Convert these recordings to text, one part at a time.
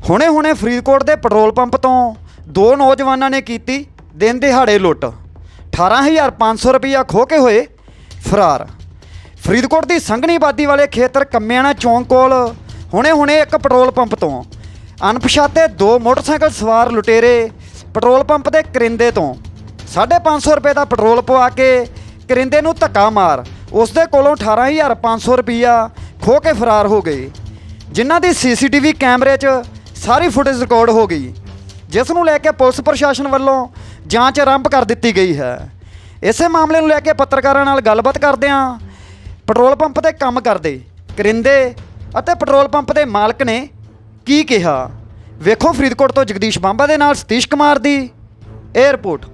ਹੁਣੇ ਫਰੀਦਕੋਟ ਦੇ petrol pump ਤੋਂ ਦੋ ਨੌਜਵਾਨਾਂ ਨੇ ਕੀਤੀ ਦਿਨ ਦਿਹਾੜੇ ਲੁੱਟ। 18,500 ਰੁਪਈਆ ਖੋਹ ਕੇ ਹੋਏ ਫਰਾਰ। ਫਰੀਦਕੋਟ ਦੀ ਸੰਘਣੀ ਆਬਾਦੀ ਵਾਲੇ ਖੇਤਰ ਕੰਮਿਆਣਾ ਚੌਂਕ ਕੋਲ ਹੁਣੇ ਇੱਕ ਪੈਟਰੋਲ ਪੰਪ ਤੋਂ ਅਣਪਛਾਤੇ ਦੋ ਮੋਟਰਸਾਈਕਲ ਸਵਾਰ ਲੁਟੇਰੇ ਪੈਟਰੋਲ ਪੰਪ ਦੇ ਕਰਿੰਦੇ ਤੋਂ 550 ਰੁਪਏ ਦਾ ਪੈਟਰੋਲ ਪਵਾ ਕੇ ਕਰਿੰਦੇ ਨੂੰ ਧੱਕਾ ਮਾਰ ਉਸ ਦੇ ਕੋਲੋਂ 18,500 ਰੁਪਈਆ ਖੋਹ ਕੇ ਫਰਾਰ ਹੋ ਗਏ, ਜਿਨ੍ਹਾਂ ਦੀ CCTV ਕੈਮਰੇ 'ਚ ਸਾਰੀ ਫੁਟੇਜ ਰਿਕਾਰਡ ਹੋ ਗਈ, ਜਿਸ ਨੂੰ ਲੈ ਕੇ ਪੁਲਿਸ ਪ੍ਰਸ਼ਾਸਨ ਵੱਲੋਂ ਜਾਂਚ ਆਰੰਭ ਕਰ ਦਿੱਤੀ ਗਈ ਹੈ। ਇਸੇ ਮਾਮਲੇ ਨੂੰ ਲੈ ਕੇ ਪੱਤਰਕਾਰਾਂ ਨਾਲ ਗੱਲਬਾਤ ਕਰਦਿਆਂ ਪੈਟਰੋਲ ਪੰਪ 'ਤੇ ਕੰਮ ਕਰਦੇ ਕਰਿੰਦੇ ਅਤੇ ਪੈਟਰੋਲ ਪੰਪ ਦੇ ਮਾਲਕ ਨੇ ਕੀ ਕਿਹਾ, ਵੇਖੋ ਫਰੀਦਕੋਟ ਤੋਂ ਜਗਦੀਸ਼ ਬਾਂਬਾ ਦੇ ਨਾਲ ਸਤੀਸ਼ ਕੁਮਾਰ ਦੀ ਇਹ ਰਿਪੋਰਟ।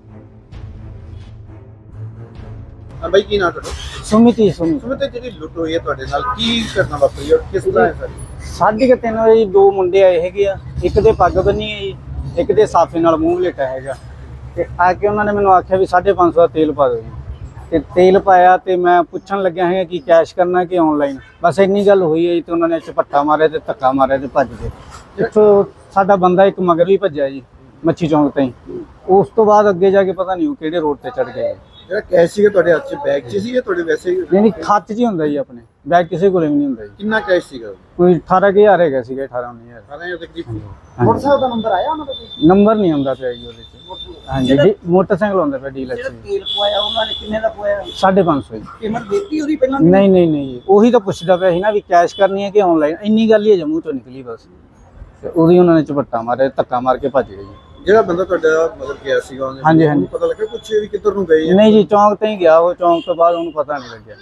ਬਾਈ ਕੀ ਨਾਮ ਤੁਹਾਡਾ? ਸੁਮਿਤ ਜਿਹੜੀ ਲੁੱਟ ਹੋਈ ਹੈ ਤੁਹਾਡੇ ਨਾਲ, ਕੀ ਕਰਨਾ ਵਾਪਰੀ ਔਰ ਕਿਸ ਤਰ੍ਹਾਂ ਹੈ ਸਾਰੀ? 3:30 ਵਜੇ ਦੋ ਮੁੰਡੇ ਆਏ ਹੈਗੇ ਆ, ਇੱਕ ਦੇ ਪੱਗ ਬੰਨੀ ਹੈ ਜੀ, ਇੱਕ ਦੇ ਸਾਫੇ ਨਾਲ ਮੂੰਹ ਲੇਟਾ ਹੈਗਾ ਤੇ ਆ ਕੇ ਉਹਨਾਂ ਨੇ ਮੈਨੂੰ ਆਖਿਆ ਵੀ 550 ਦਾ ਤੇਲ ਪਾ ਦਿਓ ਜੀ। ਤੇ ਤੇਲ ਪਾਇਆ ਤੇ ਮੈਂ ਪੁੱਛਣ ਲੱਗਿਆ ਹੈਗਾ ਕਿ ਕੈਸ਼ ਕਰਨਾ ਕਿ ਆਨਲਾਈਨ, ਬਸ ਇੰਨੀ ਗੱਲ ਹੋਈ ਹੈ ਜੀ। ਤੇ ਉਹਨਾਂ ਨੇ ਝਪੱਟਾ ਮਾਰਿਆ ਤੇ ਧੱਕਾ ਮਾਰਿਆ ਤੇ ਭੱਜ ਗਏ। ਇੱਥੋਂ ਸਾਡਾ ਬੰਦਾ ਇੱਕ ਮਗਰ ਵੀ ਭੱਜਿਆ ਜੀ ਮੱਛੀ ਚੌਂਕ ਤਾਈਂ। ਉਸ ਤੋਂ ਬਾਅਦ ਅੱਗੇ ਜਾ ਕੇ ਪਤਾ ਨਹੀਂ ਉਹ ਕਿਹੜੇ ਰੋਡ ਤੇ ਚੜ ਗਏ। ਜਿਹੜਾ ਕੈਸ਼ ਸੀਗਾ ਤੁਹਾਡੇ ਹੱਥ 'ਚ ਬੈਗ 'ਚ ਸੀ ਜਾਂ ਤੁਹਾਡੇ ਵੈਸੇ ਹੀ? ਨਹੀਂ ਖਾਤੇ 'ਚ ਹੀ ਹੁੰਦਾ ਜੀ, ਆਪਣੇ ਬੈਗ ਕਿਸੇ ਕੋਲ ਵੀ ਨਹੀਂ ਹੁੰਦਾ ਜੀ। ਕਿੰਨਾ ਕੈਸ਼ ਸੀਗਾ? ਕੋਈ 18,000 ਹੈਗਾ ਸੀਗਾ, 18-19,000। 18 ਦੇ ਕਰੀਬ। ਮੋਟਰਸਾਈਕਲ ਦਾ ਨੰਬਰ ਆਇਆ ਉਹਨਾਂ ਦਾ? ਨੰਬਰ ਨਹੀਂ ਆਉਂਦਾ ਪਿਆ ਜੀ ਉਹਦੇ 'ਚ। ਹਾਂਜੀ ਮੋਟਰਸਾਈਕਲ ਆਉਂਦਾ ਪਿਆ ਡੀਲਰ 'ਚ। ਤੇਲ ਪਵਾਇਆ ਉਹਨਾਂ ਨੇ ਕਿੰਨੇ ਦਾ ਪਵਾਇਆ? 550 ਜੀ। ਪੇਮੈਂਟ ਦਿੱਤੀ ਉਹਦੀ ਪਹਿਲਾਂ? ਨਹੀਂ ਉਹੀ ਤਾਂ ਪੁੱਛਦਾ ਪਿਆ ਸੀ ਨਾ ਵੀ ਕੈਸ਼ ਕਰਨੀ ਹੈ ਕਿ ਆਨਲਾਈਨ, ਇੰਨੀ ਗੱਲ ਹੀ ਜੰਮੂ ਤੋਂ ਨਿਕਲੀ ਬਸ। ਤੇ ਉਹਦੀ ਉਹਨਾਂ ਨੇ ਝਪੱਟਾ ਮਾਰਿਆ, ਧੱਕਾ ਮਾਰ ਕੇ ਭੱਜ ਗਏ ਜੀ। ਜਿਹੜਾ ਬੰਦਾ ਤੁਹਾਡਾ ਮਤਲਬ ਗਿਆ ਸੀਗਾ ਉਹਨੇ, ਹਾਂਜੀ ਉਹਨੂੰ ਪਤਾ ਲੱਗਾ ਕੁਛ ਵੀ ਕਿੱਧਰ ਨੂੰ ਗਏ? ਨਹੀਂ ਜੀ, ਚੌਂਕ ਤੇ ਹੀ ਗਿਆ ਉਹ, ਚੌਂਕ ਤੋਂ ਬਾਅਦ ਉਹਨੂੰ ਪਤਾ ਨਹੀਂ ਲੱਗਿਆ।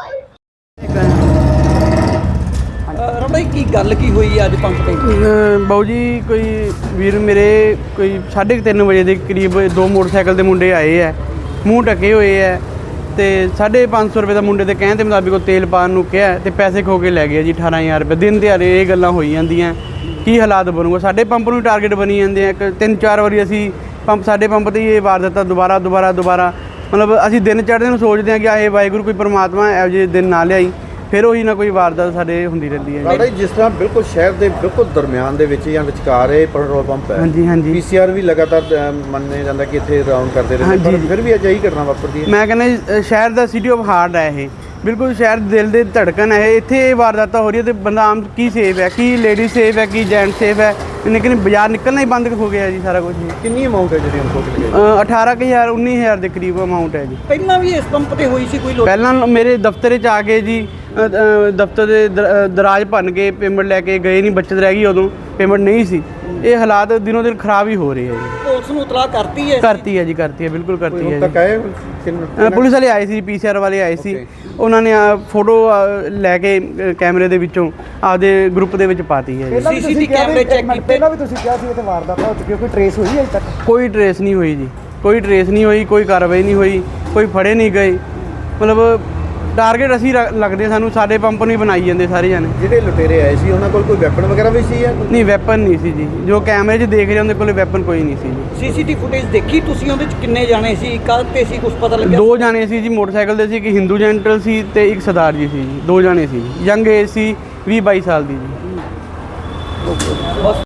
ਰਮਈ ਕੀ ਗੱਲ ਕੀ ਹੋਈ ਅੱਜ ਪੰਪ ਤੇ? ਬਾਊ ਜੀ ਕੋਈ ਵੀਰ ਮੇਰੇ ਕੋਈ 3:30 ਵਜੇ ਦੇ ਕਰੀਬ ਦੋ ਮੋਟਰਸਾਈਕਲ ਦੇ ਮੁੰਡੇ ਆਏ ਹੈ, ਮੂੰਹ ਢਕੇ ਹੋਏ ਹੈ ਤੇ 550 ਰੁਪਏ ਦਾ ਮੁੰਡੇ ਦੇ ਕਹਿਣ ਦੇ ਮੁਤਾਬਿਕ ਉਹ ਤੇਲ ਪਾਣ ਨੂੰ ਕਿਹਾ ਤੇ ਪੈਸੇ ਖੋ ਕੇ ਲੈ ਗਏ ਜੀ। 18,000 ਰੁਪਏ ਦਿਨ ਦਿਹਾੜੇ ਇਹ ਗੱਲਾਂ ਹੋਈ ਜਾਂਦੀਆਂ, ਕੀ ਹਾਲਾਤ ਬਣੂਗਾ? ਸਾਡੇ ਪੰਪ ਨੂੰ ਟਾਰਗੇਟ ਬਣੀ ਜਾਂਦੇ ਆ। 3-4 ਵਾਰੀ ਅਸੀਂ ਸਾਡੇ ਪੰਪ ਤੇ ਇਹ ਵਾਰ ਦਿੱਤਾ, ਦੁਬਾਰਾ ਮਤਲਬ ਅਸੀਂ ਦਿਨ ਚੜ੍ਹਦੇ ਨੂੰ ਸੋਚਦੇ ਹਾਂ ਕਿ ਆਏ ਵਾਹਿਗੁਰੂ ਕੋਈ ਪਰਮਾਤਮਾ ਇਹੋ ਜਿਹੇ ਦਿਨ ਨਾ ਲਿਆਈ, ਫਿਰ ਉਹੀ ਨਾ ਕੋਈ ਵਾਰਦਾਤ ਸਾਡੇ ਹੁੰਦੀ ਰਹਿੰਦੀ ਹੈ। ਬਾਬਾ ਜੀ ਜਿਸ ਤਰ੍ਹਾਂ ਬਿਲਕੁਲ ਸ਼ਹਿਰ ਦੇ ਬਿਲਕੁਲ ਦਰਮਿਆਨ ਦੇ ਵਿੱਚ ਜਾਂ ਵਿਚਕਾਰ ਇਹ ਪੈਟਰੋਲ ਪੰਪ ਹੈ। ਹਾਂਜੀ PCR ਵੀ ਲਗਾਤਾਰ ਮੰਨਿਆ ਜਾਂਦਾ ਕਿ ਇੱਥੇ ਰਾਉਂਡ ਕਰਦੇ ਰਹਿੰਦੇ, ਪਰ ਫਿਰ ਵੀ ਅਜਿਹੀ ਘਟਨਾ ਵਾਪਰਦੀ ਹੈ। ਮੈਂ ਕਹਿੰਦਾ ਸ਼ਹਿਰ ਦਾ ਸਿਟੀ ਆਫ ਹਾਰਟ ਹੈ ਇਹ, ਬਿਲਕੁਲ ਸ਼ਹਿਰ ਦਿਲ ਦੇ ਧੜਕਣ ਹੈ। ਇੱਥੇ ਇਹ ਵਾਰਦਾਤਾਂ ਹੋ ਰਹੀ ਹੈ ਤੇ ਬੰਦਾ ਆਮ ਕੀ ਸੇਫ ਹੈ, ਕੀ ਲੇਡੀ ਸੇਫ ਹੈ, ਕੀ ਜੈਂਟ ਸੇਫ ਹੈ? ਲੇਕਿਨ ਬਾਜ਼ਾਰ ਨਿਕਲਣਾ ਹੀ ਬੰਦ ਹੋ ਗਿਆ ਜੀ ਸਾਰਾ ਕੁਝ। ਕਿੰਨੀ ਅਮਾਊਂਟ ਹੈ ਜਿਹੜੀ ਉਹਨੂੰ ਖੋਹ ਕੇ ਲਏ? 18,000 19,000 ਦੇ ਕਰੀਬ ਅਮਾਊਂਟ ਹੈ ਜੀ। ਪਹਿਲਾਂ ਵੀ ਇਸ ਪੰਪ ਤੇ ਹੋਈ ਸੀ ਕੋਈ ਲੁੱਟ? ਪਹਿਲਾਂ ਮੇਰੇ ਦਫ਼ਤਰ 'ਚ ਆ ਕੇ ਜੀ ਦਫ਼ਤਰ ਦੇ ਦਰਾਜ ਭੰਨ ਕੇ ਪੇਮੈਂਟ ਲੈ ਕੇ ਗਏ ਨਹੀਂ, ਬੱਚਤ ਰਹਿ ਗਈ, ਉਦੋਂ ਪੇਮੈਂਟ ਨਹੀਂ ਸੀ। ਇਹ ਹਾਲਾਤ ਦਿਨੋਂ ਦਿਨ ਖਰਾਬ ਹੀ ਹੋ ਰਹੇ ਹੈ ਜੀ। ਪੁਲਿਸ ਨੂੰ ਇਤਲਾਹ ਕਰਤੀ ਹੈ? ਕਰਤੀ ਹੈ ਬਿਲਕੁਲ ਕਰਤੀ ਹੈ ਤੱਕ ਆਏ ਪੁਲਿਸ ਵਾਲੇ ਆਏ ਸੀ, PCR ਵਾਲੇ ਆਏ ਸੀ, ਉਹਨਾਂ ਨੇ ਫੋਟੋ ਲੈ ਕੇ ਕੈਮਰੇ ਦੇ ਵਿੱਚੋਂ ਆਪਦੇ ਗਰੁੱਪ ਦੇ ਵਿੱਚ ਪਾਤੀ ਹੈ ਜੀ। CCTV ਕੈਮਰੇ ਚੈੱਕ ਕੀਤੇ? ਪਹਿਲਾਂ ਵੀ ਤੁਸੀਂ ਕਿਹਾ ਸੀ ਇੱਥੇ ਵਾਰਦਾਤ ਹੋ ਚੁੱਕੀ, ਕੋਈ ਟਰੇਸ ਹੋਈ ਅਜੇ ਤੱਕ? ਕੋਈ ਟਰੇਸ ਨਹੀਂ ਹੋਈ ਜੀ, ਕੋਈ ਟਰੇਸ ਨਹੀਂ ਹੋਈ, ਕੋਈ ਕਾਰਵਾਈ ਨਹੀਂ ਹੋਈ, ਕੋਈ ਫੜੇ ਨਹੀਂ ਗਏ। ਮਤਲਬ ਟਾਰਗੇਟ ਅਸੀਂ ਲੱਗਦੇ ਸਾਨੂੰ, ਸਾਡੇ ਪੰਪ ਨੂੰ ਹੀ ਬਣਾਈ ਜਾਂਦੇ ਸਾਰੇ ਜਾਣੇ। ਜਿਹੜੇ ਲੁਟੇਰੇ ਆਏ ਸੀ ਉਹਨਾਂ ਕੋਲ ਕੋਈ ਵੈਪਨ ਵਗੈਰਾ ਵੀ ਸੀ ਜਾਂ ਨਹੀਂ ਵੈਪਨ ਨਹੀਂ ਸੀ ਜੀ, ਜੋ ਕੈਮਰੇ 'ਚ ਦੇਖ ਰਹੇ ਉਹਦੇ ਕੋਲ ਵੈਪਨ ਕੋਈ ਨਹੀਂ ਸੀ ਜੀ। CCTV ਫੁਟੇਜ ਦੇਖੀ ਤੁਸੀਂ? ਉਹਦੇ ਚ ਕਿੰਨੇ ਜਾਣੇ ਸੀ, ਕੱਲ ਤੇ ਸੀ, ਕੁਝ ਪਤਾ ਲੱਗਿਆ? 2 ਜਾਣੇ ਸੀ ਜੀ ਮੋਟਰਸਾਈਕਲ ਦੇ ਸੀ, ਇੱਕ ਹਿੰਦੂ ਜੈਂਟਲ ਸੀ ਤੇ ਇੱਕ ਸਰਦਾਰ ਜੀ ਸੀ ਜੀ। 2 ਜਾਣੇ ਸੀ, ਯੰਗ ਏਜ ਸੀ, 20-22 ਸਾਲ ਦੀ ਜੀ।